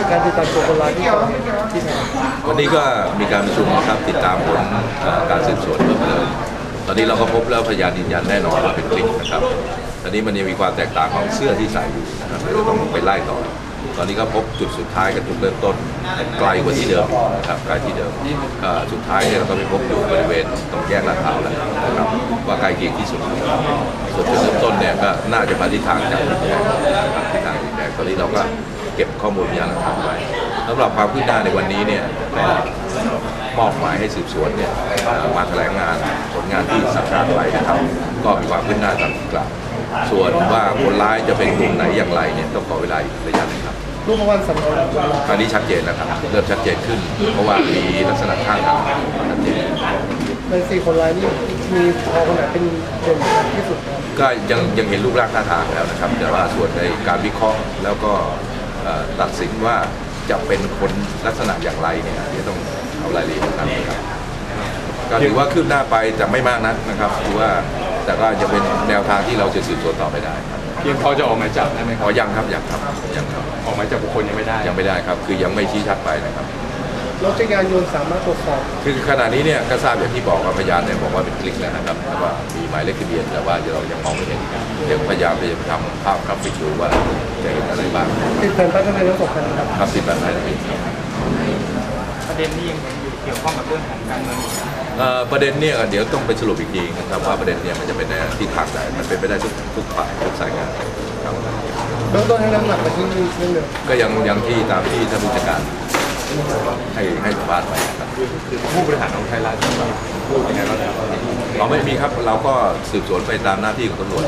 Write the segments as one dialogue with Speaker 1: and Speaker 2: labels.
Speaker 1: การติดตามตัวคนร้ายที่ก่อเหตุที่ไหน
Speaker 2: วันนี้ก็มีการประชุมนะครับติดตามผลการสืบสวนเพิ่มเติมตอนนี้เราก็พบแล้วพยานยืนยันแน่นอนว่าเป็นคลิปนะครับตอนนี้มันยังมีความแตกต่างของเสื้อที่ใส่อยู่นะครับเราต้องไปไล่ต่อตอนนี้ก็พบจุดสุดท้ายกับจุดเริ่มต้นไกลกว่าที่เดิมนะครับไกลที่เดิมสุดท้ายเนี่ยเราก็ไปพบอยู่บริเวณตรงแยกลาดพร้าวแล้วนะครับว่าใกล้เคียงที่สุดส่วนจุดเริ่มต้นเนี่ยก็น่าจะมาที่ทางจากดินแดงนะครับที่ทางดินแดงตอนนี้เราก็เก็บข้อมูลพยานหลักฐานไว้สำหรับความคืบหน้าในวันนี้เนี่ยก็มอบหมายให้สืบสวนเนี่ยมาแถลงงานผลงานที่สั่งการไว้นะครับก็มีความคืบหน้าตามที่กล่าวส่วนว่าคนร้ายจะเป็นกลุ่มไหนอย่างไรเนี่ยต้องขอเวลาอีกระยะหนึงครับ
Speaker 1: รูปประวันสำคัญของคนร้าย
Speaker 2: ตอนนี้ชัดเจนแล้วครับเริ่มชัดเจนขึ้นเพราะว่ามีลักษณะท่าทางชัดเจน
Speaker 1: ใน4 คนร้ายนี่มีพอคนไหนเป็นเด่นที่สุดครับ
Speaker 2: ก็ยังเห็นรูปร่างท่าทางแล้วนะครับแต่ว่าส่วนในการวิเคราะห์แล้วก็ตัดสินว่าจะเป็นคนลักษณะอย่างไรเนี่ยเดี๋ยวต้องเอารายละเอียดนะครับก็ถือว่าคืบหน้าไปแต่ไม่มากนักนะครับถือว่าแต่ก็จะเป็นแนวทางที่เราจะสืบสวนต่อไปได้
Speaker 3: เพียงพอจะออกหมายจับได้ไหมครับ
Speaker 2: ยังครับยังครับ
Speaker 3: ออกหมายจับบุคคลยังไม่ได้
Speaker 2: ครับคือยังไม่ชี้ชัดไปนะครับ
Speaker 1: รถจักรยานยนต์สามารถตรวจสอบ
Speaker 2: คือขณะนี้เนี่ยก็ทราบอย่างที่บอกว่าพยานเนี่ยบอกว่าเป็นคลิกแล้วนะครับแต่ว่ามีหมายเลขทะเบียนแต่ว่าเรายังมองไม่เห็นยังพยายามจะทำภาพกราฟิกดูว่าจะเห็นอะไรบ้าง
Speaker 1: ติดแผ่นป้ายทะเบียนรถสองคัน
Speaker 2: ครับติดแผ่นป้ายทะเบียน
Speaker 4: ประเด็นนี้ยังเกี่ยวข้องกับเรื่องของการเมือง
Speaker 2: ประเด็นเนี่ยเดี๋ยวต้องไปสรุปอีกทีนะครับว่าประเด็นเนี่ยมันจะเป็นทิศทางไหนมันเป็นไปได้ทุกฝ่ายทุกสายงานครับ
Speaker 1: เบื้องต้นให้น้ำหนักไปที่เรื่องเดิม
Speaker 2: ก็ยังที่ตามที่ท่านผู้จัดการให้สัมภาษณ์ไปครับ
Speaker 3: ผู้บริหารของไทยรัฐพูดยังไงบ้างครับ
Speaker 2: เราไม่มีครับเราก็สืบสวนไปตามหน้าที่ของตำรวจ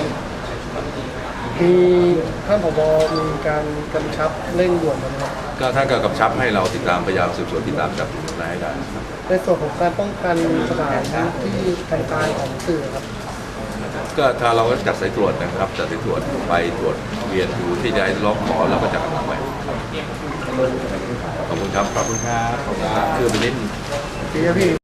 Speaker 1: มีท่านผบ.มีการกำชับเร่งด่วนนะครับ
Speaker 2: ก็ท่านก็กำชับให้เราติดตามพยายามสืบสวนติดตามจับกลุ่มคนร้ายให้ได้
Speaker 1: ในส่วนของการป้องกันสถานที่แต่งกายของสื่อครับ
Speaker 2: ก็ถ้าเราก็จัดสายตรวจนะครับจัดสายตรวจไปตรวจเวียนดูที่จะร้องขอเราก็จะกำลังไปขอบคุณครับ
Speaker 3: ขอบคุณครับ
Speaker 2: คือเป็นนิด
Speaker 1: พี่